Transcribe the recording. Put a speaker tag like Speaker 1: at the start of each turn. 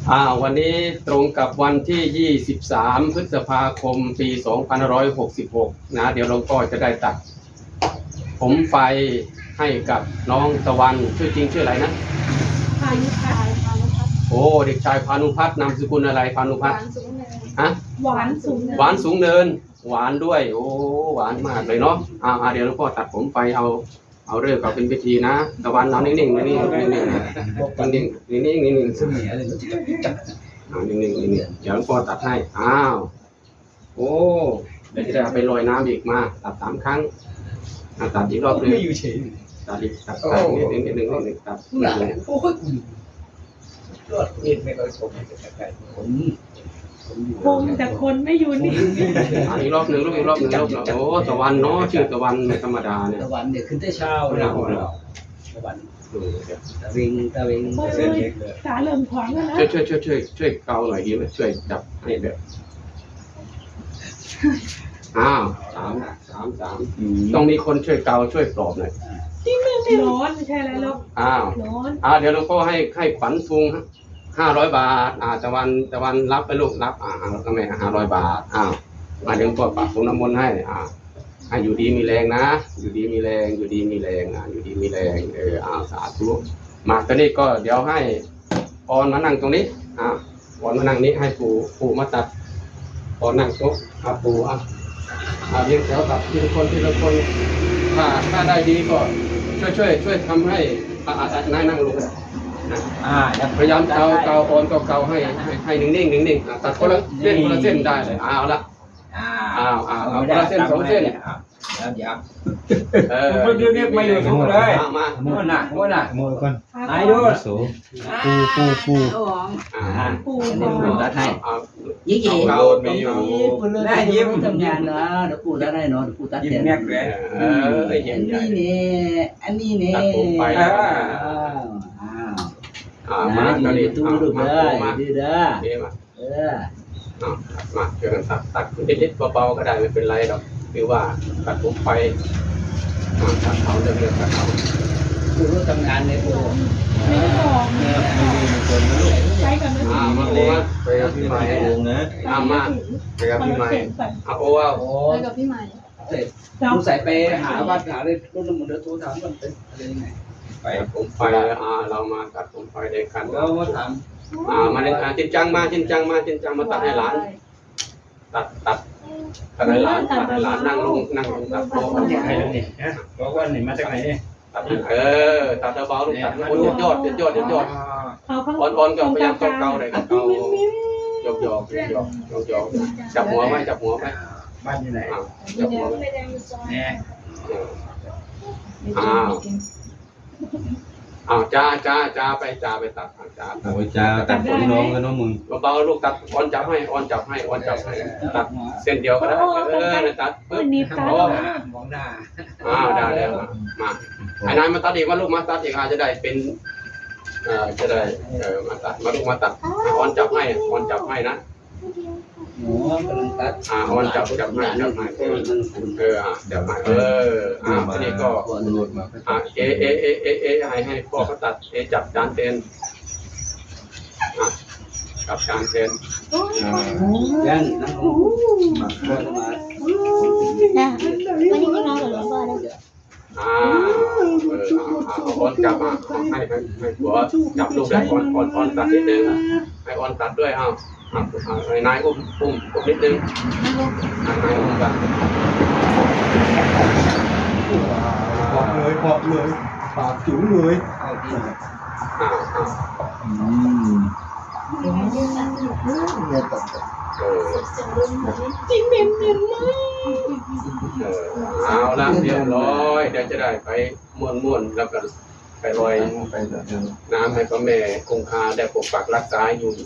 Speaker 1: วันนี้ตรงกับวันที่ 23 พฤษภาคม ปี 2566 นะ เดี๋ยวหลวงพ่อจะได้ตัดผมไฟให้กับน้องตะวันชื่อจริงชื่ออะไรนะ
Speaker 2: พานุพัฒน์
Speaker 1: โอ้เด็กชายพานุพัฒน์นามสกุลอะไรพานุพัฒน์ฮะ
Speaker 2: หวานสูงเนิน
Speaker 1: หวานสูงเนินหวานด้วยโอ้หวานมากเลยเนาะเดี๋ยวหลวงพ่อตัดผมไฟเอาเรื่องเขาเป็นพิธีนะตะวันเอานิ่งๆนิ่งๆนิ่งๆนิ่งๆนิ่งๆนิ่งๆนิ่งๆ
Speaker 3: เสมียอะไรก็จะจับ
Speaker 1: นิ่งๆนิ่งๆเดี๋ยวหลวงพ่อตัดให้โอ้เดี๋ยวจะเอาไปลอยน้ำอีกมาตัด3 ครั้งตัดอีกรอบนึง
Speaker 3: ไม่อยู่เฉย
Speaker 1: ตัดอีกตัดนิดนึงตัด
Speaker 3: หนาโอ้ยรอดมีดไม่ค่อยคมแต่ไกลผมอยู่
Speaker 2: คงแต่คนไม่อยู่นี่
Speaker 1: อีกรอบนึงอีกรอบนึงโอ้ตะวันเนาะชื่อตะวันไม่ธรรมดาเนี่ย
Speaker 3: ตะวันเด็กขึ้นแต่เช้าเราตะวันตะวิง
Speaker 2: เส้นเล็กเลยขาเริ่มขวางแล้วนะ
Speaker 1: ช่วยเกาหน่อยดีไหมช่วยจับให้แบบสามต้องมีคนช่วยเกาช่วยปลอบหน่อย
Speaker 2: ร้อนไม่ใช่อะไรหรอกร้อน
Speaker 1: เดี๋ยวหลวงพ่อให้ขวัญทุง500 บาทตะวันรับไปลูกรับก็ไม่500 บาทมาเดี๋ยวหลวงพ่อปักผมน้ำมนต์ให้ให้อยู่ดีมีแรงนะอยู่ดีมีแรงอยู่ดีมีแรงอยู่ดีมีแรงสาธุมาตอนนี้ก็เดี๋ยวให้ออนมานั่งตรงนี้ออนมานั่งนี้ให้ปู่มาตัดออนนั่งโต๊ะปู่เรียงแถวตัดทีละคนถ้าได้ดีก็ช่วยทำให้นายนั่งลงพยายามเกาออนก็เกาให้นิ่งตัดคนละเส้นได้เลยเอาละคนละเส้น2 เส้น
Speaker 3: แล้วเดี๋ยว
Speaker 4: มันเรียกไม่อยู่ทุกเลย
Speaker 1: มา
Speaker 3: ม้วนน่ะ
Speaker 4: โมยก่อน
Speaker 3: นายดู
Speaker 4: โสปู
Speaker 3: ปูตัดให้ยี่กี่ได้ยิ้มทำงานนะเดี๋ยวปูตัดให้เนาะปูตัด
Speaker 4: ยิ้ม
Speaker 3: เต็ม
Speaker 4: แม็กเลย
Speaker 3: อันนี้เนี่ย
Speaker 1: ตัดผมไปมา
Speaker 3: อยู่ในตู้ดูเด้อดูเด้อ
Speaker 1: มา
Speaker 3: มา
Speaker 1: ช่วยกันตัดนิดๆเบาๆก็ได้ไม่เป็นไรหรอกคือว่าตัดผมไปตัดเขาเรื่องตัดเขา
Speaker 3: ปูรู้ทำงานในปู
Speaker 2: ไม่ได้บอกใช้กันไม่ถึง
Speaker 1: มาไปกับพี่ใหม่มาไปกับพี่ใหม่โอ้
Speaker 5: ไปกับพี่ใหม่
Speaker 3: เสร็จปูใส่ไปหาวัดหาเลยรุ่นน้ำมันเดือดโทรถามมันเป็นอะไรยังไง
Speaker 1: ไปผมไปเรามาตัดผมไปได้กัน
Speaker 3: เรามาถาม
Speaker 1: มาเลยจริงจังมาตัดให้หลานตัดให้หลานนั่งลงตัดโต๊ะ
Speaker 4: ใครนี่ฮะบอกว่านี่มาจากไหนเนี่ย
Speaker 1: ตัดตัดเบาลูกตัดยอดอ่อนก็พยายามเกาเลยเกายกจับหัวไหม
Speaker 4: บ้านอยู่ไหน
Speaker 1: จับหัว
Speaker 4: เนี่ย
Speaker 1: จ้าไปตัดจ้า
Speaker 4: โอ้ยจ้าตัดผมน้องกันน้องมึง
Speaker 1: เบาลูกตัดอ่อนจับให้ตัดเส้นเดียวก็ได้ตัดปึ๊บ
Speaker 2: นี่ตาม
Speaker 3: องหน้า
Speaker 1: ได้แล้วมาไอ้นายมาตัดอีกว่าลูกมาตัดอีกจะได้เป็นจะได้มาตัดมาลูกมาตัดอ่อนจับให้นะ
Speaker 3: หมูกำลังตัด
Speaker 1: อ่อนจับให้จับให้เดี๋ยวมาทีนี้ก็ให้พ่อเขาตัดจับจานเต็นจับจานเต็น
Speaker 3: ยังนั่งลงมาพ่อจะมา
Speaker 5: วันนี้ไม่นอนกับหลวงพ่อแล้ว
Speaker 1: อ่อนจับให้หัวจับลูกได้อ่อนตัดนิดนึงให้อ่อนตัดด้วยนายอุ้มนิดนึงนายอุ้มกัน
Speaker 4: ปอบเลยปากจุ๋มเลย
Speaker 3: เอาที่
Speaker 2: จริงเหม็นมาก
Speaker 1: เอาละเรียบร้อยเดี๋ยวจะได้ไปม่วนแล้วก็ไปลอยน้ำให้พระแม่คงคาได้ปกปักรักษาอยู่